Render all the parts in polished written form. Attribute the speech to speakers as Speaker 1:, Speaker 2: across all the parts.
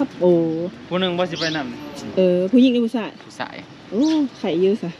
Speaker 1: ครับโอ้
Speaker 2: ผู้หนึ่งว่าสิไปน
Speaker 1: ำผู้หญิงหรือผู้ชาย
Speaker 2: ผู้ชาย
Speaker 1: โอ้ไข่เยอะซะ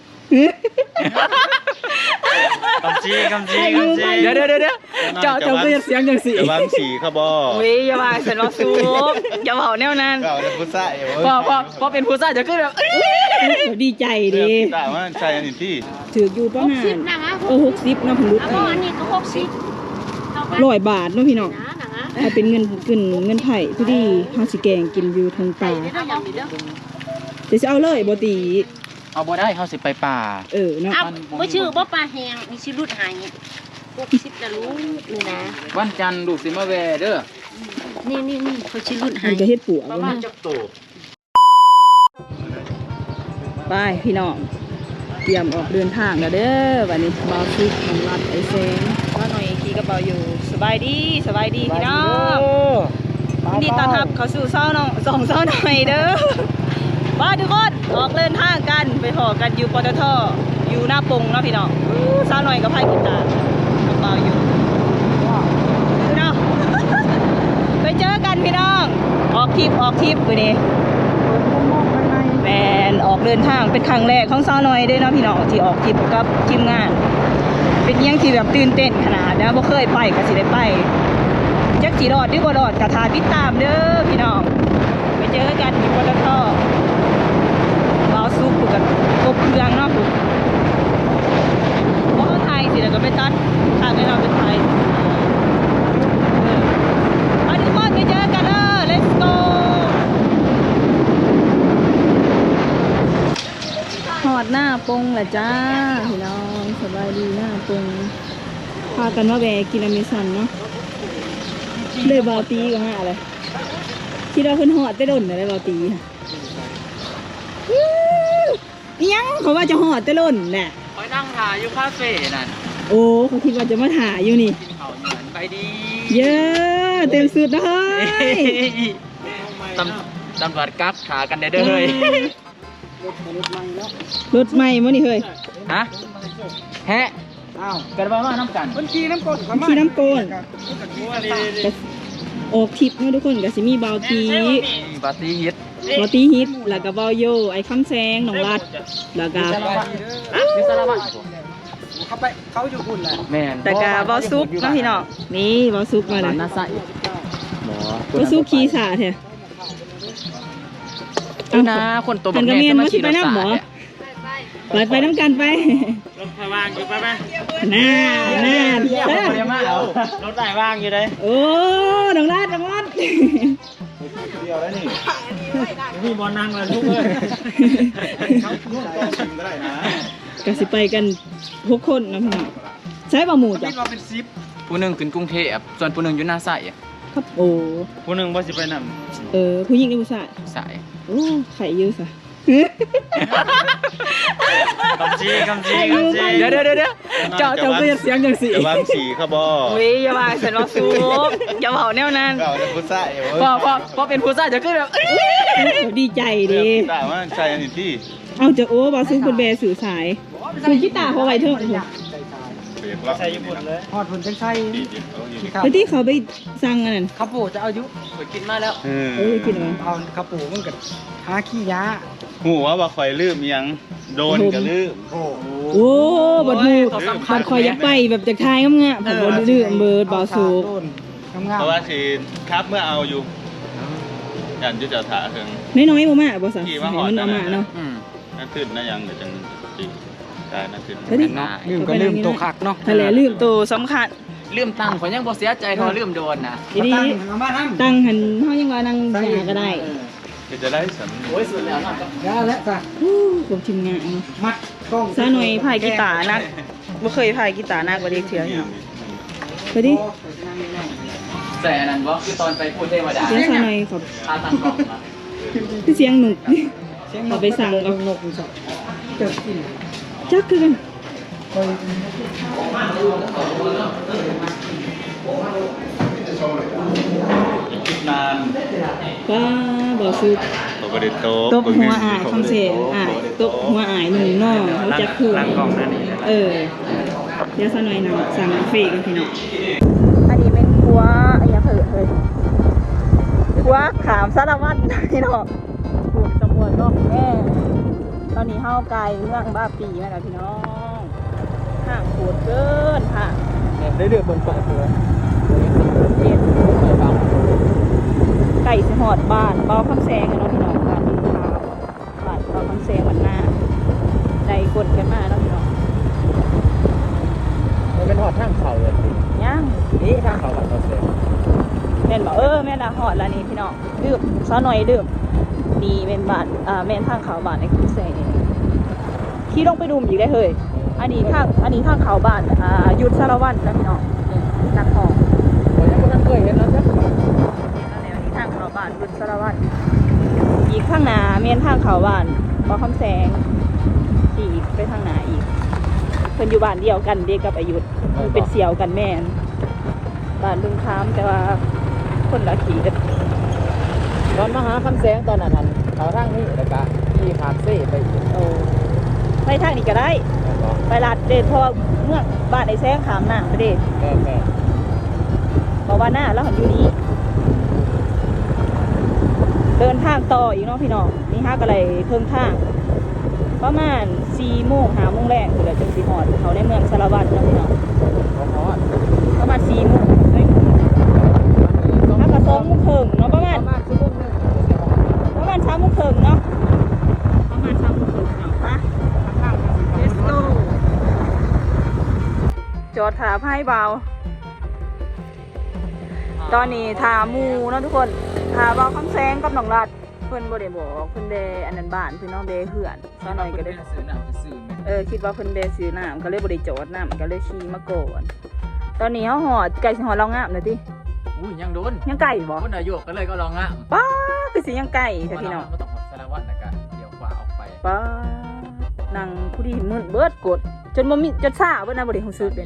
Speaker 2: คำชี้
Speaker 1: เดี๋ยวเจ้าก็จะเสียงอย่างสิ
Speaker 2: จะวางสีเขาบ่
Speaker 1: อย่าว่าฉันว่าซูบอย่าเผาแนวนั้น
Speaker 2: ผู้ชาย
Speaker 1: พอเป็นผู้ชายจะขึ้นแบบดีใจดี
Speaker 2: แต่ว่าใช่อันนี้ที่
Speaker 1: ถืออยู่ประมาณ60นะ60นะผมรู้
Speaker 3: อันนี้ก็
Speaker 1: 100 บาทเนาะพี่น้องถ้าเป็นเงินไผ่ผู้ดีเฮาสิแกงกินอยู่ทางป่าจะเอาเลยบ่ตี
Speaker 2: เอาบ่ได้เขาสิไปป่า
Speaker 1: เนาะ
Speaker 3: บ่ชื่อบ่ปลาแห้งมีชื่อรุดหาย60จะรู้นี่นะ
Speaker 2: วันจันทร์ลูกสิมาแวเด้อ
Speaker 3: นี่เขาชื่อรุดหาย
Speaker 1: มันจะเฮ็ดปัว
Speaker 2: ประมาณจักโต
Speaker 1: ไปพี่น้องเตรียมออกเดินทางแล้วเด้อวันนี้บ่าวซิกของรัดไอแสงว่าหน่อยขี่กระเป๋าอยู่สบายดีพี่น้องนี่ตอนรับเขาสู่เศร้าน้อง2เศร้าหน่อยเด้อว่าทุกคนออกเดินทางกันไปพอกันอยู่ปตทอยู่หน้าปงเนาะพี่น้องเศร้าหน่อยกับไพ่กีตาร์กระเป๋าอยู่เนาะไปเจอกันพี่น้องออกทริปวันนี้แมนออกเดินทางเป็นครั้งแรกของเศร้าหน่อยด้วยเนาะพี่น้องที่ออกทริปกับทีมงานเป็นยังที่แบบตื่นเต้นขนาดนะบ่เคยไปก็สิได้ไปจักสิรอดหรือบ่รอดกระทาติดตามเด้อพี่น้องไปเจอกันที่ปตทบ่าวซุปกันครบเครื่องเนาะปุ๊บบ่ไทยสิแล้วก็ไปตัดทางให้เราเป็นไทยไปทุกคนไปเจอกันlet's go หอดหน้าปงแหละจ้าพี่น้องสบายดีหน้าปงพากันมาแวะกินอเมซอนเนาะเลยบาวตีก็หาอะไรคิดว่าเพิ่นหอดแต่ดนเลยบาวตีค่ะยังเขาว่าจะหอดแต่ดนแหละ
Speaker 2: ไปนั่งถ่ายอยู่คาเฟ่นั่น
Speaker 1: โอ้เขาคิดว่าจะมาถ่ายอยู่นี่
Speaker 2: ไปดี
Speaker 1: เยอะเต็มสุดนะเฮ้ย
Speaker 2: ตำรวจกักขากันได้เด้อเฮ้ย
Speaker 1: รถใหม่มั้งนี่เฮ้ย
Speaker 2: ฮะแฮะอ้าวกันว่าน้ำกัน
Speaker 1: ขี่น้ำโกนออกทริปเนาะทุกคนก็สิมีบาวตี
Speaker 2: ฮิต
Speaker 1: แล้วก็บาวโยไอ้คำแซงน้องรัดแล้วก็
Speaker 2: เขาอยู่คุณแหละแม่
Speaker 1: แต่ก็บาวซุกเนาะพี่น้องนี่บาวซุกมาเลย
Speaker 2: น่าใส่
Speaker 1: บาวซุกขี่สาแท้
Speaker 2: นะคนตัวแบบนี้จะมาขี่รถสาย
Speaker 1: ไปน้ำกันไป
Speaker 2: รถไฟว่างอยู่ไป
Speaker 1: น่
Speaker 2: ารถไฟว่างอยู่เลย
Speaker 1: โอ้น้องรัด
Speaker 2: เดียวแล้วนี่มีบอลนั่งแล้วทุกเลย
Speaker 1: ก็สิไปกัน6 คนนะพี่น้องใช้บะหมูจ้ะ
Speaker 2: ผู้หนึ่งขึ้นกรุงเทพส่วนผู้หนึ่งอยู่หน้าใส่
Speaker 1: ครับโอ้
Speaker 2: ผู้หนึ่งว่าสิไปน
Speaker 1: ำผู้หญิงหรือผู้ชายโอ้ไข่เยอะซะ
Speaker 2: คำชี้
Speaker 1: เดี๋ยวเจ้าก็จะเสียงอย่างสิ
Speaker 2: จะวางสีเขาบ่
Speaker 1: อย่าว่าฉันว่าซูบอย่าเผาแนวนั้น
Speaker 2: ผู้ชาย
Speaker 1: พอเป็นผู้ชายจะขึ้นแบบดีใจดี
Speaker 2: แต่ว่าใช่อันนี้ที่
Speaker 1: เอาจะโอ้บาซูเป็นแบสื่อสายคือกีตาร์เขาไว้เถอะ
Speaker 2: ใช่ญี่ปุ่นเลย
Speaker 4: ฮอดผลเป็นไส้
Speaker 1: ไปที่เขาไปสั่งอันนั้น
Speaker 4: ข้าวปูจะเอายุ
Speaker 2: ไปกินมาแล้ว
Speaker 1: กิน
Speaker 4: เอาข้าวปูมันกับหาขี้ยา
Speaker 2: หูว่าคอยลืมยังโดนกับลืม
Speaker 1: โอ้บัดหูบัดคอยยักไปแบบจากทายงามๆผมบ่ลืมเบิดบ่สูบ
Speaker 2: เพราะว่าสิครับเมื่อเอาอยู่ยันจะจะถ่าถึง
Speaker 1: น้อยๆบ่มาบ่ซะมันเอามาเนาะ
Speaker 2: นั่นตื่นนะยังเดี๋ยวจังสินั่นตื่น
Speaker 4: ลืมก็ลืมตัวคักเนาะ
Speaker 1: ทะเลลืมตัวสำคัญ
Speaker 2: ลืมตังข่อยยังบ่เสียใจเท่าลืมโดนนะ
Speaker 1: ตังหันเฮายังว่านั่งหาก็ได้
Speaker 2: จะได้สันโอ้ยสุดแล้ว
Speaker 4: แล้วจ้ะ
Speaker 1: ผมทีมงาน
Speaker 4: มัดกล้อง
Speaker 1: ซะหน่อยพายกีตาร์นักบ่เคยพายกีตาร์นักกว่าเด็กเถื่อนไปดิ
Speaker 2: แต่นั่นบ่คือตอนไปพูดเทวดา
Speaker 1: เสียงซะหน่อยครับ
Speaker 2: ตั้งกล้องมา
Speaker 1: คือเสียงหนุกเอาไปสั่งเอา
Speaker 4: นกอีสักเกิดกิน
Speaker 1: จักคือกัน
Speaker 2: นาน
Speaker 1: ป้าบ่ซุปตบหัวอายคำเสียงอายตบหัวอายหนึ่งน้องเขาจักคือเดี๋ยวซะหน่อยนะสั่งเฟกันพี่น้องอันนี้เป็นหัวอย่าเผลอเลยว่าขามสารวัตรพี่น้องปวดตำรวจก็แม่ตอนนี้เฮาไกลเมืองบ้าปีมาแล้วพี่น้องห่างปวดเกินห่าง
Speaker 4: ได้เดือดบนปากเลย
Speaker 1: เจ็ดไก่สิหอดบ้านเบาคำแซงกันเนาะพี่น้องบ้านดินขาวบ้านเบาคำแซงมันหน้าใจกดกันมาเนาะพี่น้อง
Speaker 4: มันเป็นหอดทางเขาเลย
Speaker 1: ย่าง
Speaker 4: นี่ทางเขาแบบเขาเสีย
Speaker 1: แม่นบอกแม่นละหอดแล้วนี่พี่น้องดื่มซะหน่อยดื่มดีเป็นบ้านแม่นทางเขาบ้านในคำแซงขี่ลงไปดูมอีกได้เฮ้ยอันนี้ทางเขาบ้านยุทธสารวัตรนะพี่น้องนักของ
Speaker 4: ผมยังไม่เคยเห็นแล้วจ้ะ
Speaker 1: อันนี้ทางเขาบ้านยุทธสารวัตรอีกข้างหน้าเมียนทางเขาบ้านปอคำแสงอีกไปทางหน้าอีกเพิ่นอยู่บ้านเดียวกันเด็กกับอายุคือเป็นเสี่ยวกันแม่นบ้านลุงค้ามแต่ว่าคนละขี่กัน
Speaker 4: ตอนมาหาคำแสงตอนนั้นเขาทางนี้แล้วก็ขี่ขามเซ่ไปอีก
Speaker 1: โอ้ไปทางนี้ก็ได้ไปลาดเด็ดเพราะว่าเมื่อบ้านไอ้แซงขามหน้าไปเด็ด
Speaker 4: แม่
Speaker 1: บอกว่าหน้าแล้วหันอยู่นี้เดินทางต่ออีกเนาะพี่น้องนี่ฮะก็เลยเครื่องทางประมาณ4 โมง 5 โมงแรกคือเราจึงสิฮอดเขาในเมืองสารวัตรเนาะพี่น้อง
Speaker 4: ของฮอด
Speaker 1: ประมาณ4 โมงเฮ้ยถ้าก็2 โมงครึ่งเนาะประมาณ
Speaker 4: ชั่วโมงนึง
Speaker 1: 3 โมงครึ่งเนาะประมาณ3 โมงครึ่งเนาะไป Let's go จอดถาไพ่เบาตอนนี้ถามูเนาะทุกคนถาเบาคำแซงกับน้องรัดเพิ่นบ่ได้บอกเพิ่นเดอันนั้นบ้านเพิ่นน้องเดเหือนซะหน่อยก็ได้
Speaker 4: ซื้อหนังซื้อ
Speaker 1: คิดว่าเพิ่นเดซื้อน้ำก็เลยบ่ได้จอดน้ำก็เลยขี่มาก่อนตอนนี้เฮาหอดไก่สิหอดเรางามน่ะติ
Speaker 4: อุ้ยยังโดน
Speaker 1: ยังไก่บ่
Speaker 4: คนอายุก็เลยก็ลองอ่ะ
Speaker 1: ป้าคือสิยังไก่แท้พี่น้อง
Speaker 4: ก็ต้องสารวัตรนะกันเดี๋ยวขวาออกไป
Speaker 1: ป้านั่งผู้ดีมึนเบิดกดจนบ่มีจนซ่าเบิดนะบ่ได้รู้สึกเลย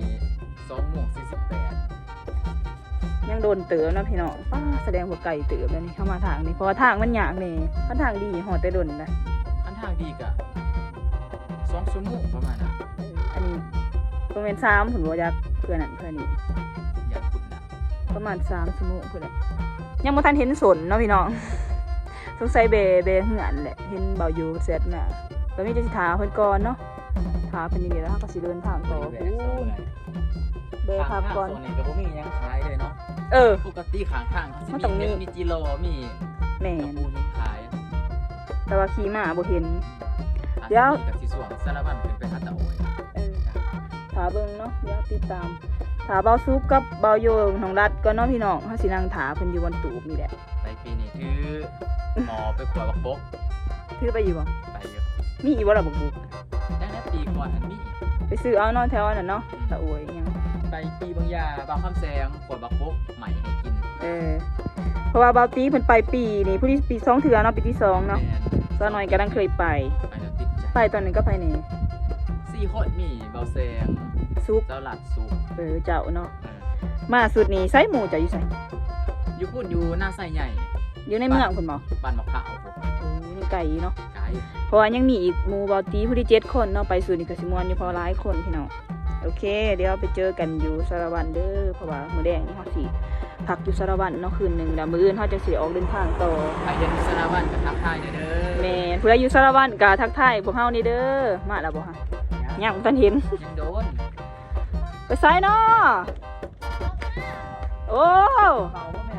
Speaker 4: 2:48
Speaker 1: ยังโดนเตือนะพี่น้องป้าแสดงว่าไก่เตือแล้วนี่เข้ามาทางนี้เพราะว่าทางมันยากนี่คันทางดีหอดแต่ดนนะ
Speaker 4: อันทางดีกะ2 ชั่วโมงประมาณน่ะ
Speaker 1: อันนี้ประมาณ3ผมว่าอยากเพื่อนนั่นเพื่อนนี่
Speaker 4: อยากขุดนะ
Speaker 1: ประมาณ3 ชั่วโมงพุ่นแหละยังบ่ทันเห็นสนเนาะพี่น้องสงสัยเบเหือนแหละเห็นเบาอยู่เสร็จน่ะตอนนี้จะสิถาเพิ่นก่อนเนาะถาเพิ่นนี่แล้วก็สิเดินทางต่อเบพักก่อน
Speaker 4: โซนนี้ก็บ่มีหยังขายเลยเนาะ ปกติข้างทาง
Speaker 1: มันต้องมี
Speaker 4: มีจิโร่มี
Speaker 1: แม่
Speaker 4: กระ
Speaker 1: น
Speaker 4: ปูมีขาย
Speaker 1: แต่ว่าขี่มาบ่เห็น เดี๋ยว
Speaker 4: กับสีสวงสารบัญเป็นไปหาตะโอย
Speaker 1: ถาเบิ่งเนาะเดี๋ยวติดตามถาเบาซุปกับเบาโยน้องรัดก็เนาะพี่น้องเฮาสินั่งถาเพิ่นอยู่บนตูบนี่แหละ
Speaker 4: ไปปีนี้ถือหมอไปขวดบักบก
Speaker 1: ถือไปอยู่บ่
Speaker 4: ไปเยอะ
Speaker 1: มีอีกบ่ล่ะบักบุก
Speaker 4: ได้นะปีก่อนอันนี้
Speaker 1: ไปซื้อเอาเนาะแถวนั้นเนาะตะอวยยัง
Speaker 4: ไปปีบางยาบางคำแซงขวดบักบกใหม่ให้กิน
Speaker 1: เพราะว่าเบาตีเพิ่นไปปีนี่ผู้ที่ปี2เทื่อเนาะปีที่2เนาะ
Speaker 4: แม่
Speaker 1: ซะหน่อยก็ดังเคยไป
Speaker 4: ไปแล้วติดใจ
Speaker 1: ไปตอนนึงก็ไปนี่
Speaker 4: 4 คนมีเบาแซง
Speaker 1: ซุป
Speaker 4: เจ้าหลัดสุก
Speaker 1: เจ้าเนาะมาสุดนี้ไสหมูจะอยู่ไส
Speaker 4: อยู่พุ่นอยู่หน้าไส้ใหญ่
Speaker 1: อยู่ในเมืองเพิ่นบ่
Speaker 4: บ้านมะพร้าว
Speaker 1: นี่ไกลเนาะ
Speaker 4: ไกล
Speaker 1: เพราะว่ายังมีอีกหมู่เบาตีผู้ที่7 คนเนาะไปสุดนี่ก็สิม่วนอยู่เพอหลายคนพี่น้องโอเค เดี๋ยวไปเจอกันอยู่สารวัตรเด้อเพราะว่ามื้อแดงนี่เฮาสิพักอยู่สารวัตรเนาะคืนนึงแล้วมื้ออื่นเฮาจะสิออกเดินทางต่อ
Speaker 4: ไปเห็นสารบัญกับทักทายเด้อ
Speaker 1: แม่นผู้ใดอยู่สารวัตรก็ทักทายพวกเฮานี่เด้อมาแล้วบ่ฮะยังบ่ทันเห็น
Speaker 4: ยังโดน
Speaker 1: ไปไสเนาะโอ้
Speaker 4: เบาบ่แม่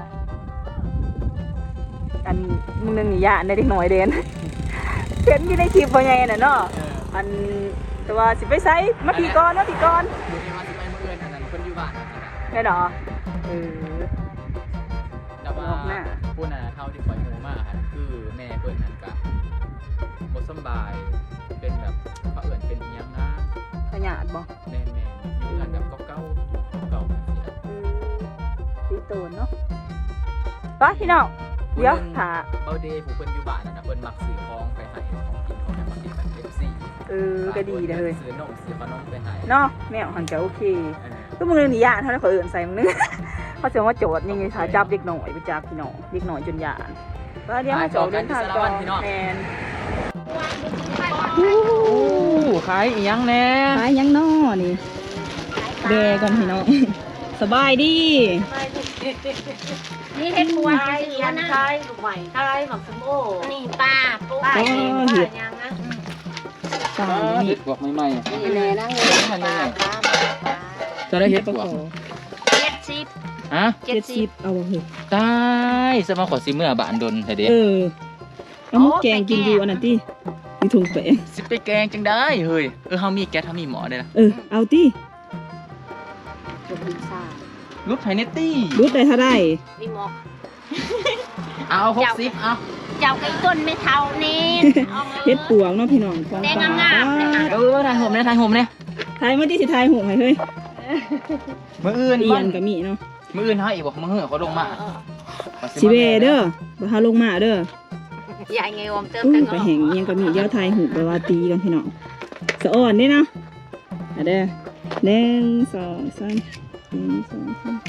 Speaker 1: อันมึงนึงนี่ย่านได้เด็กน้อยเด่น เห็นอยู่ในคลิปบ่ใหญ่น่ะเนาะอันแต่ว่าสิไปไสมาพี่ก่อนมาพี่ก่อน
Speaker 4: ดูนี่ว่าสิไปเมื่อเอิญอันนั้นคนอยู่บ้านนั่นนะ
Speaker 1: ได้ดอกเออ
Speaker 4: แต่ว่า
Speaker 1: บอกหน้า
Speaker 4: ผู้น่ะเท่าที่ข่อยหูมาค่ะคือแม่เพิ่นนั่นก็บ่สำบายเป็นแบบเขาเอิ้นเป็นอิหยังนะ
Speaker 1: ขยาดบ่
Speaker 4: แม่อยู่กันแบบเก่าๆเก่าจังซี่นะ
Speaker 1: ตีโตนเนาะไปพี่น้องเดี๋ยวถ่า
Speaker 4: เบาเดย์ผู้เพิ่นอยู่บ้านนั่นน่ะเพิ่นมักซื้อของไปให้ของกินของให้มันกินแบบ FC
Speaker 1: ก็ดีเด้อเฮ้ย
Speaker 4: ซื้อนมซื้อขนมไปให้
Speaker 1: เนาะแนวหันจะโอเคก็มึงนึงนี่ย่านเท่านั้นเขาเอื่นใส่มึงนึง เขาจะว่าโจทย์ยังไงถ้าจับเด็กหน่อยไปจับพี่น้องเด็กหน่อยจนย่านก็เดี๋ยวให้โจทย์เดินทางก่อนแมน
Speaker 4: ขายอีหยังแน่
Speaker 1: ขายยังน้อนี่เบก่อนพี่น้อง สบายดี
Speaker 3: นี่เฮ็ดบัว
Speaker 5: ทาย
Speaker 3: ซื้อ
Speaker 5: ยั
Speaker 3: มาน นะ
Speaker 5: ทายลูกใหม่ทายหมักสมโอ
Speaker 3: นี่ปลาปู
Speaker 5: ป้าเองป้ายังนะ
Speaker 1: ปลา
Speaker 4: เฮ็
Speaker 1: นี่
Speaker 4: ดบวกใหม่ๆ
Speaker 5: นี่แน่นั่งเลยป้าป้า
Speaker 4: จะได้เฮ็ดบวก
Speaker 3: 70
Speaker 4: ฮะ
Speaker 1: 70เอาบ่เฮ้ย
Speaker 4: ตายสมาขอสิเมื่อบานดนให้เด้
Speaker 1: เอาหมุกแกงกินอยู่อันนั้นติอยู่ถุงแป้ง
Speaker 4: สิไปแกงจังได้เฮ้ยเฮามีแก๊สเฮามีหมอได้ล่ะ
Speaker 1: เอาติ
Speaker 5: จุกพิซซ่า
Speaker 4: รุดไผเนตตี้
Speaker 1: รูดได้เท่าใด
Speaker 3: มีหมอก
Speaker 4: เอา60เอา
Speaker 3: เจ้าไก่ต้นไม่เท่านี่อามา
Speaker 1: เฮ็ดปวงเนาะพี่น้องของ
Speaker 3: แดง
Speaker 1: ปลาง
Speaker 3: ามๆเลยค่ะ
Speaker 4: ถ่ายผมเนี่ยถ่ายผมเนี่ย
Speaker 1: ทายมาติสิทายหงให้เฮ้ย
Speaker 4: มื้ออื่น
Speaker 1: เอียนก็มีเนาะ
Speaker 4: มื้ออื่นเฮาอีกบ่มื้อเขาลงมา
Speaker 1: สิเวเด้อบ่หาลงมาเด้อ
Speaker 3: ใหญ่ไงวอมเติม
Speaker 1: อุ้
Speaker 3: แต่
Speaker 1: ย
Speaker 3: ง
Speaker 1: ไปแห่งเอียงก็มีเดี๋ยวทายหูไปว่าตีกันพี่น้องสะอ่อนเด้เนาะอ่ะเด้อ1 2 3 1 2 3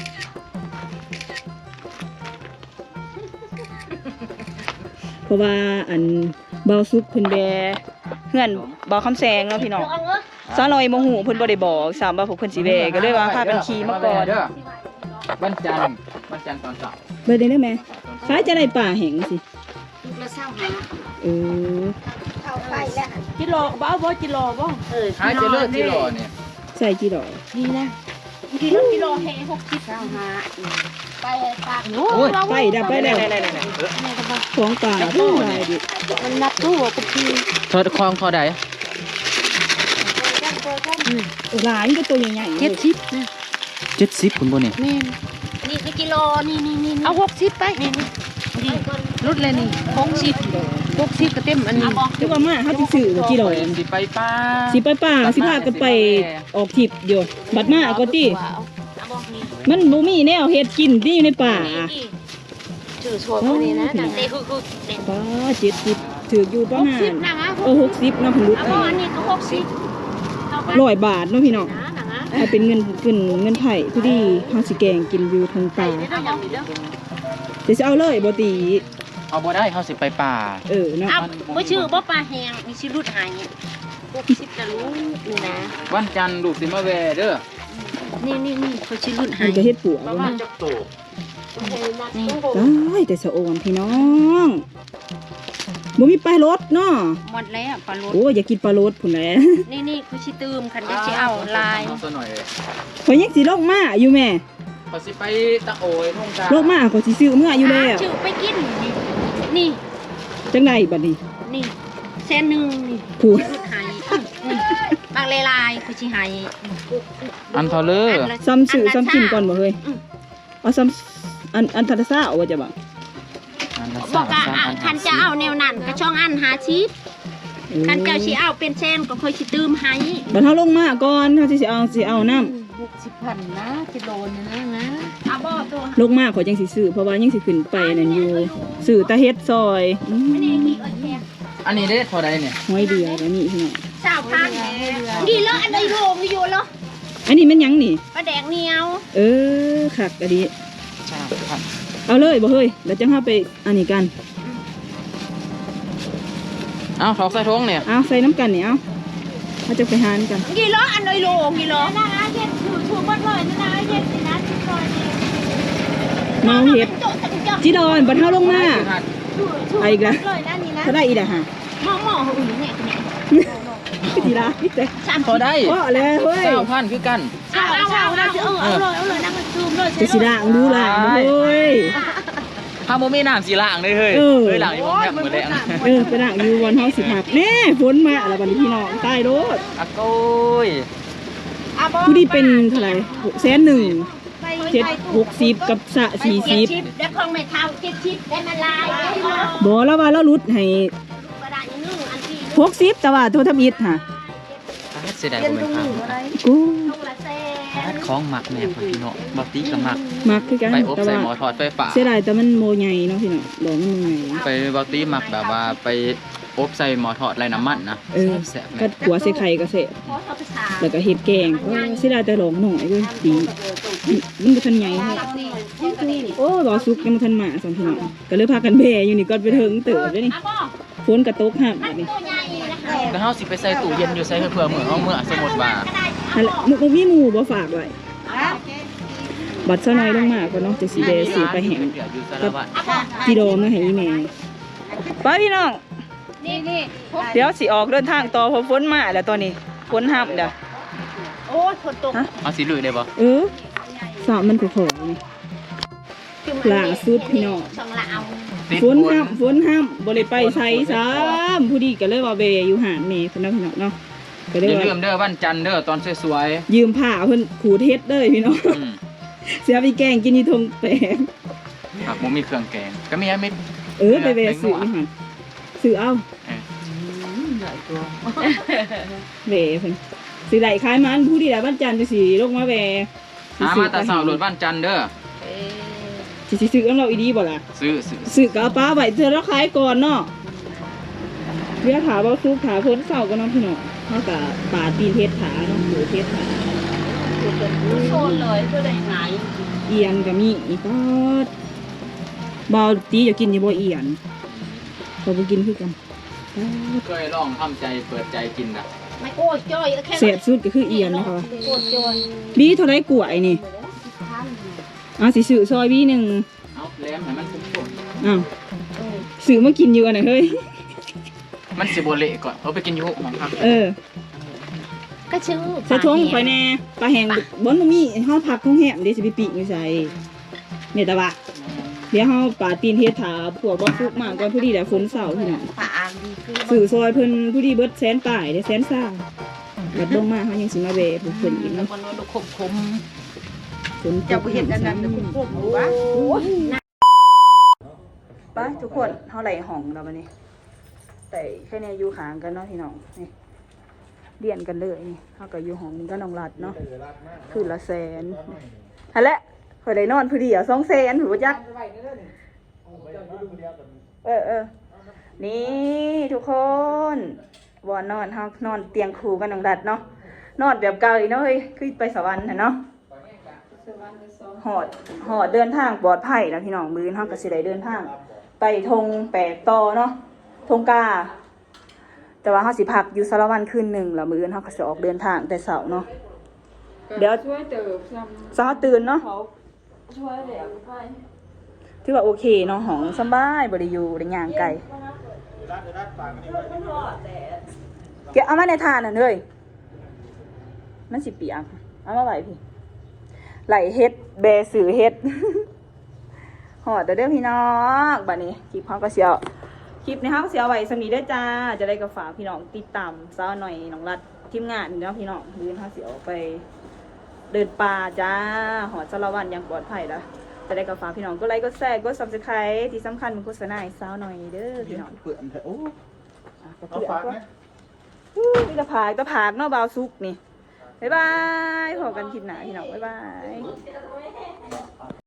Speaker 1: เพราะว่าอันเบาซุกเพิ่นแบเฮือนเบาคำแซงเนาะพี่น้อง
Speaker 3: เอาเงอะ
Speaker 1: ซาลอยโมหูเพิ่นบ่ได้บอกสามว่าพวกเพิ่นสิแวก็เลยว่าพากันขี่มาก่อน
Speaker 4: วันจันทร์ตอนเช้า
Speaker 1: เบิดได้แม่คล้ายจะได้ป่าแห่งสิ
Speaker 3: ลูกละเศร้าหา
Speaker 1: เออ
Speaker 3: เข้าไปแล้ว
Speaker 5: จิโร่บ้าบ่จิโร่บ่
Speaker 4: หายจะเลิกที่รอเนี่ย
Speaker 1: ใส่กี่ดอก
Speaker 5: นี่นะ
Speaker 3: กิโลเฮ60
Speaker 5: เจ้าหา
Speaker 3: ไปปาก
Speaker 4: โอ้ย
Speaker 1: ไปดับไปแล้วของป่าผู้หลายดิ
Speaker 5: มันนับตู้กับพี่
Speaker 4: เธอคลองเท่าใด
Speaker 1: หลานก็ตัวใหญ่ๆ
Speaker 5: 70นะ
Speaker 4: 70คุณบ่เนี่ย
Speaker 5: แม่น
Speaker 3: นี่คือกิโลนี่
Speaker 5: เอา60ไปนี่นี่รุดเลยนี่60ก็เต็มอันนี้
Speaker 1: แต่ว่ามาเฮาสิซื้อบ่กี่ดอก
Speaker 4: สิไปป้า
Speaker 1: สิไปป่าสิพากันไปออกทริปอยู่บัดมาก็ติ
Speaker 3: เอาบอกนี่
Speaker 1: มันบ่มีแนวเฮ็ดกินที่อยู่ในป่า
Speaker 5: ชื่อสวยพวกนี้นะ
Speaker 3: จังเต้คือเด่น
Speaker 1: ป้า70ถืออยู่ประมาณ
Speaker 5: 60นะฮะ
Speaker 1: 60เนาะเพิ่นรุด
Speaker 3: เอา
Speaker 1: ให้
Speaker 3: บอกอันนี้ก็60
Speaker 1: 100 บาทเนาะพี่น้อง
Speaker 3: นะนะ
Speaker 1: ถ้าเป็นเงินไทยพอดีเฮาสิแกงกินอยู่ทางป่า
Speaker 3: เอาอย่างนี้เด้อ
Speaker 1: เดี๋ยวสิเอาเลยบ่ตี
Speaker 4: เอาบ่ได้เขาสิไปป่า
Speaker 1: เนาะ
Speaker 3: เอาบ่ชื่อบ่ปลาแห้งมีสิรุดหาย60จะรู้นี่นะ
Speaker 4: วันจันทร์ลูกสิมาแวเด้อ
Speaker 3: นี่เขาสิรุดหา
Speaker 1: มั
Speaker 3: ย
Speaker 1: นก็เฮ็ดปวก
Speaker 4: ประมาณจักโต
Speaker 3: นี่
Speaker 1: ได้แต่สะโอนพี่น้องบ่มีปลารสเนาะ
Speaker 3: หมดแล้วปลาโลด
Speaker 1: โอ้ยอย่ากินปลารสพุ่นแหละ
Speaker 3: นี่คือสิตืมคันจะสิเอาลาย
Speaker 4: เอาซะหน่อย
Speaker 1: ขอยยังสิลงมาอยู่แม่
Speaker 4: เขาสิไปตะโอยทุ่งกา
Speaker 1: ลงมาขอยสิซื้อเมื่ออยู่แล้ว
Speaker 3: ชื่อไปกินนี่
Speaker 1: จังไดบัดนี้
Speaker 3: นี่เส้นหนึ่งนี่
Speaker 1: ผู้
Speaker 3: รุดหายบางลายคือสิหาย
Speaker 4: อันเทอเลอร์
Speaker 1: ซ้ำซื้อซ้ำกินก่อนบ่เฮ้ยเอาซ้ำอันทัดซ่าเอาว่าจะบ่
Speaker 3: บอกว่าคันจะเอาแนวนั้นก็ช่องอันหาชีพคันเจ้าสิเอาเป็นเส้นก็ค่อยสิตืมให้
Speaker 1: บัดเฮาลงมาก่อนเฮาสิเอาน้ำ
Speaker 5: 60,000นะกิโลนึงนะ
Speaker 3: เอาบ่ตัว
Speaker 1: ลงมาขอยจังสิซื้อเพราะว่ายังสิขึ้นไปนั่นอยู่ซื้อตะเฮ็ดซอยอืม
Speaker 3: อันนี้มีเอิ้นแท้
Speaker 4: อันนี้ได้เท่าใดเนี่ย
Speaker 1: หอยเดียวแล้วนี่พี่น้อง
Speaker 3: 20,000ดีแล้วอันใดโลงอยู่แล้ว
Speaker 1: อันนี้มันหยังนี่
Speaker 3: ปลาแดงเหนียว
Speaker 1: คักอะดี
Speaker 4: ใช่ครับ
Speaker 1: เอาเลยบ่เฮ้ยแล้วจังเฮาไปอันนี้กัน
Speaker 4: เอาถอกใส่ท้องเนี่ย
Speaker 1: เอาใส่น้ำกันนี่เอาเขาจะไปหานกัน
Speaker 3: กี่โลอันใดโลกี่โลนะเย็ดถูกหมดเลยนะเย็ดนะทุกคน
Speaker 1: เมาเฮ็ดจีดอนบัดเฮาลงมา
Speaker 3: ถูก
Speaker 1: ไปอีกแล้ว
Speaker 3: เลยนะนี่นะ
Speaker 1: ถ้าได้อีกอ่ะฮะ
Speaker 3: หม้ออุ่นเนี่ยเนี่ย
Speaker 1: ทีละพี่แต่
Speaker 4: พอได้
Speaker 1: พอแล้วเฮ้ย
Speaker 4: 9,000คือกัน
Speaker 3: เอาเลยนั่งมันซูมเลย
Speaker 1: จะสิล้างดูล้างเฮ้ย
Speaker 4: ถ้าบ่มีน้ำสิล้างเลยเฮ้ย
Speaker 1: เออ
Speaker 4: เฮ้ยล้างอยู่บ่แม่มื้อแรง
Speaker 1: ไปล้างอยู่วันเฮาสิพักแน่ฝนมาแล้วบัดนี้พี่น้องตายโลด
Speaker 4: อะโกย
Speaker 1: ผู้ที่เป็นเท่าไหร่100,000 760กับสะ40
Speaker 3: แล้วของไม่เท่า70ได้มาลาย
Speaker 1: บ่แล้วว่าเราลดให้
Speaker 3: กระดาษนึงอันที่
Speaker 1: 60แต่ว่าโทรทำอิฐฮะ
Speaker 4: เสียดายบ่แม่นครับ
Speaker 1: กู
Speaker 3: ลูกละแสน
Speaker 4: ของหมักแม่พี่น้องบ่ตีก็หมัก
Speaker 1: มักคือกัน
Speaker 4: ไปอบ
Speaker 1: แต่
Speaker 4: ใส่
Speaker 1: ว่า
Speaker 4: หม้อทอดไฟฟ้า
Speaker 1: เสียดายแต่มันโมใหญ่เนาะพี่น้องดอกมันโมใหญ่
Speaker 4: ไปบ่ตีหมักแบบว่าไปอบใส่หม้อทอดไร้น้ำมันนะ แซ่บๆ
Speaker 1: ก็
Speaker 4: แม่
Speaker 1: หัวใส่ไข่ก็เสร็จ
Speaker 3: เพราะเขาไปถาม
Speaker 1: แล้วก็เห็ดแกงโอ้เสียดายแต่หลงหน่อยด้วยดีมันก็ทันใหญ่แท้โอ้รอซุกยังมาทันมาสองพี่น้องก็เลยพากันแบอยู่นี่ก่อนไปถึงเติบด้วยนี่
Speaker 3: อ่ะบ่
Speaker 1: ฝนกระตกห้ามแบบนี้
Speaker 3: ตัวใหญ่นะคะ
Speaker 4: แล้วเฮาสิไปใส่ตู้เย็นอยู่ใส่เพื่อมื้อเฮามื้อสมมุติว่า
Speaker 1: นั่นแหละมุกมีหมูบ่ฝากไว้บบัดซะน้อยลงมากกว่าเนาะจะสีแดงสีไปแห้ง
Speaker 4: เดี๋ยวอยู่สารวัตร
Speaker 1: จีโดมนะให้อีแม่ไปพี่น้อง
Speaker 5: นี่พก
Speaker 1: เดี๋ยวสิออกเดินทางต่อเพราะฝนมาแล้วตอนนี้ฝนห้ามเด้อ
Speaker 3: โอ้ยฝนตก
Speaker 4: เอาสีลุยได้ปะ
Speaker 1: สาวมันโผล่นี่ หลังสุดพี่น้อง
Speaker 3: สองละเอา
Speaker 1: ฝนห้ามบ่ได้ไปไสซ้ำผู้ดีก็เลยว่าเบอยู่หาแม่เพิ่นเนาะพี่น้องเนาะก็
Speaker 4: อ
Speaker 1: เลย
Speaker 4: ย่า
Speaker 1: ว่า
Speaker 4: ลืมเด้อวันจันทร์เด้อตอนสวย
Speaker 1: ยืมผ้าเพิ่นขูดเฮ็ดเด้อพี่น้อง
Speaker 4: ๆ
Speaker 1: เสียไปแกงกินนี่ทงแปลง
Speaker 4: ผักหมูมีเครื่องแกงก็มีไม่
Speaker 1: ไปเวซื้อนี่หั่นซื้อเอาเวเพิ่นสิได้ขายมันผู้ดีได้บ้านจันทร์จังสิลงมาแว
Speaker 4: หามาแต่สาวโหลดวันจันทร์เด้อ
Speaker 1: สิซื้อกับเราอีดีบ่ล่ะ
Speaker 4: ซื้อ
Speaker 1: กะป้าไว้เธอแล้วขายก่อนเนาะเรียกถาบ่ซุกถาพ้นเสาก็น้องพี่น้องเฮาก็ปาตีนเฮ็ดถาเนาะหูเฮ็ดถา
Speaker 3: โซนเลยเพื่อได้ไง
Speaker 1: เอียนก็มีอีกก็บ่ตีจะกินอยู่บ่เอียนเขาบ่กินคือกัน
Speaker 4: เคยลองทำใจเปิดใจกินนะ
Speaker 3: ไม่โอ้ยจ้อยแค่
Speaker 1: แซ่บสุดก็คือเอียนนะคะ
Speaker 3: โอ้ยจ้อย
Speaker 1: บีเท่าไรกล้วยนี่สิซื้อซอยบีหนึง
Speaker 4: เอาแหลมให้มันคุ้ม
Speaker 1: อ้าวซื้อมากินอยู่อันไหนเฮ้ย
Speaker 4: ๆมันสิโบเละก่อนเอาไปกินอยู่ของพัก
Speaker 3: ก็ชื่อ
Speaker 1: ใส่ทงข่อยแน่ปลาแห้งบ่มีเฮาผักของแห้งเดี๋ยวสิไปปีกไม่ใส่เนี่ยตะบะเดี๋ยวเฮาปาตีนเฮ็ดถาพวกบ่ฟุกมาก่อนผู้ดีได้ฝนเช้าพี่น้อง
Speaker 3: ป่าอ่างดีคือ
Speaker 1: ซื้อซอยเพิ่นผู้ดีเบิดแสนป่ายได้แสนซ่าบัดลงมาเฮายังสิมาแวะผู้เพิ่นอีก
Speaker 3: แล้ว
Speaker 1: เนาะ
Speaker 3: มันดูคมคม
Speaker 1: ฝนตก
Speaker 5: เจ้าบ่เห็นอันนั้นคุ้มๆบ่วะ
Speaker 1: ไปทุกคนเฮาไหลห้องแล้วบัดนี้แต่แค่นี้อยู่ข้างกันเนาะพี่น้องนี่เรียนกันเลยนี่เฮาก็อยู่ห้องนี้ก็น้องรัดเนาะคืนละแสนหั่นแหละข่อยได้นอนผู้เดียว200,000ถือว่าจักนี่ทุกคนบ่นอนเฮานอนเตียงคู่กันน้องรัดเนาะนอนแบบเก่าอีเนาะเฮ้ยคือไปสวรรค์น่ะเนาะหอดเดินทางปลอดภัยนะพี่น้องมื้อนี้เฮาก็สิได้เดินทาง ไปทงแปดต่อเนาะทงกาแต่ว่าเขาสิพักอยู่สารวันคืนหนึ่งแล้วมื้ออื่นเขาก็จะออกเดินทางแต่เสาร์เนาะเดี๋ยวช่วยเติมสาวตื่นเนาะช่วยเดี๋ยวไปถือว่าโอเคเนาะห้องสบายบริยูได้ย่างไกลเก็บเอามาในทานน่ะเลยมันสิเปียกเอามาไหวพี่ไหลเฮ็ดแบสือเฮ็ด หอดเด้อพี่น้องบัดนี้คลิปเขาก็เสียวคลิปนี้เขาก็เสียวไว้สำนีได้อจ้าจะได้กับฝากพี่น้องติดตามสาวหน่อยน้องรัดทีมงานเนาะพี่น้องมื้อเขาเสียวไปเดินป่าจ้าหอดสารวันอย่างปลอดภัยแล้วจะได้กับฝากพี่น้องก็ไลค์ก็แชร์ก็ Subscribe ที่สำคัญมันโฆษณาให้สาวหน่อยเด้อพี่น้อง
Speaker 2: เปื่อนโอ้
Speaker 1: ก็
Speaker 2: เอา
Speaker 1: เพื่อน
Speaker 2: ฝาก
Speaker 1: ก็
Speaker 2: นะ
Speaker 1: นี่ตะผากเนาะบาวซุกนี่บ๊ายบายพบกันคลิปหน้าพี่น้องบ๊ายบาย